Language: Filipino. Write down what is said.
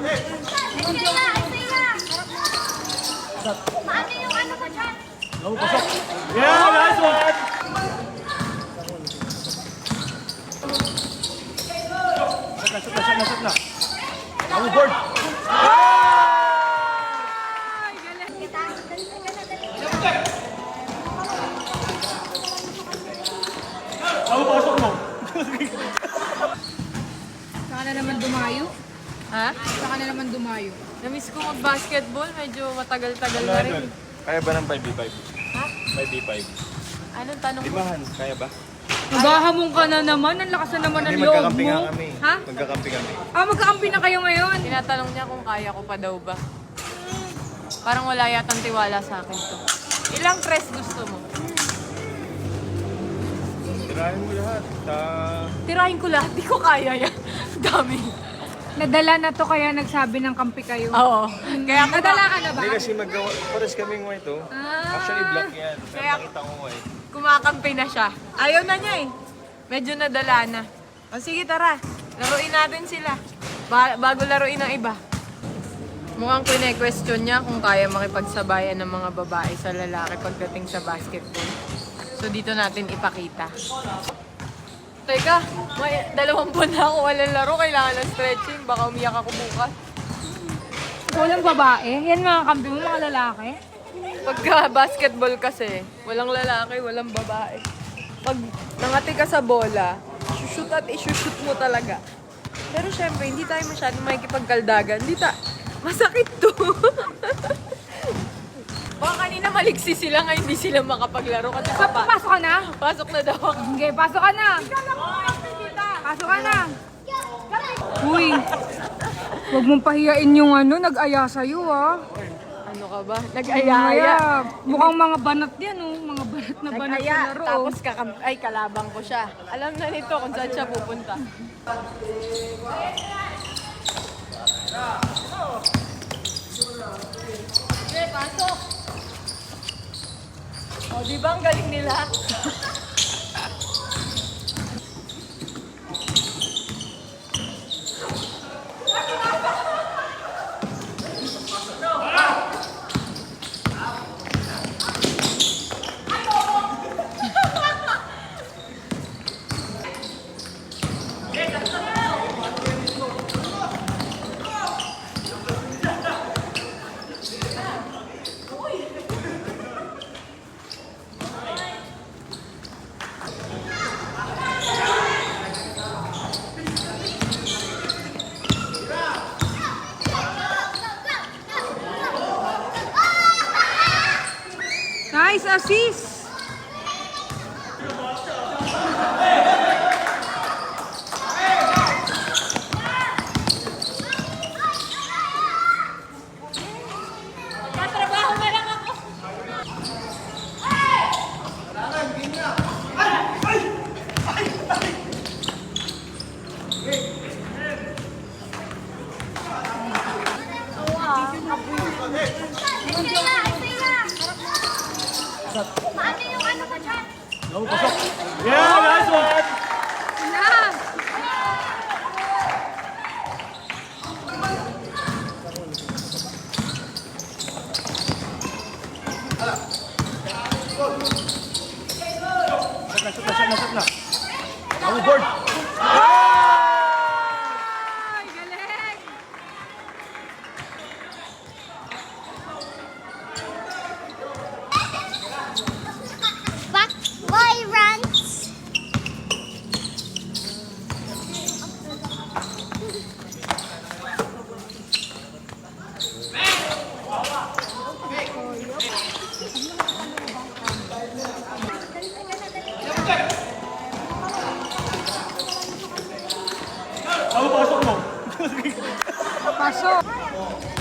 Paano yung ano ko dyan? Oh, pasok. Yeah, nice one. Shoot na. Ang board. Ang pasok mo. Saka na naman dumayo. Ha? Saka na naman dumayo. Namiss ko mag-basketball. Medyo matagal-tagal na rin. Kaya ba ng 5v5? Ha? 5v5. Anong tanong mo? Limahan, kaya ba? Naghahamon ka na naman. Ang lakas na naman ng Hindi, loob magkakampi mo. nga kami. Ha? Magkakampi kami. Magkakampi na kayo ngayon. Tinatanong niya kung kaya ko pa daw ba. Parang wala yatang tiwala sa akin to. Ilang press gusto mo? Tirahin mo lahat. Tirahin ko lahat. Di ko kaya yan. Dami. Nadala na to kaya nagsabi ng kampi kayo. Oo. Kaya ko Nadala ka na ba? Hindi kasi magawa. Pares kaming white oh. Actually black yan. Pero Kaya- nakita ko white. kumakampi na siya. Ayaw na niya eh. Medyo nadala na. O sige tara. Laruin natin sila. Bago laruin ng iba. Mukhang kine-question niya kung kaya makipagsabayan ng mga babae sa lalaki pagdating sa basketball. So dito natin ipakita. Teka, may 2 buwan na ako walang laro. Kailangan ng stretching. Baka umiyak ako bukas. Walang babae. Yan mga kampi mo, mga lalaki. Pagka basketball kasi, walang lalaki, walang babae. Pag nangati ka sa bola, shoot at isushoot mo talaga. Pero syempre, hindi tayo masyadong makikipagkaldagan. Masakit to. Baka kanina maliksi sila nga hindi sila makapaglaro kasi Pasok ka na? pasok na daw ako. Okay, pasok ka na. Pasok ka na. Uy, huwag mong pahiyain yung nag-aya sa'yo Ano ka ba? Nag-ayaya. Mukhang mga banat yan mga banat na banat Nag-aya. na laro. Tapos kalabang ko siya. Alam na nito kung saan siya pupunta. Okay, pasok. O, di ba ang galing nila? Nice assist. Tatrabaho na lang ako. Paano yung ano ko dyan? Oh, pasok. Yeah, nice one. Na. Shoot na. Ang board. Ay, galing. Back boy runs. Ang pasok mo. Pasok.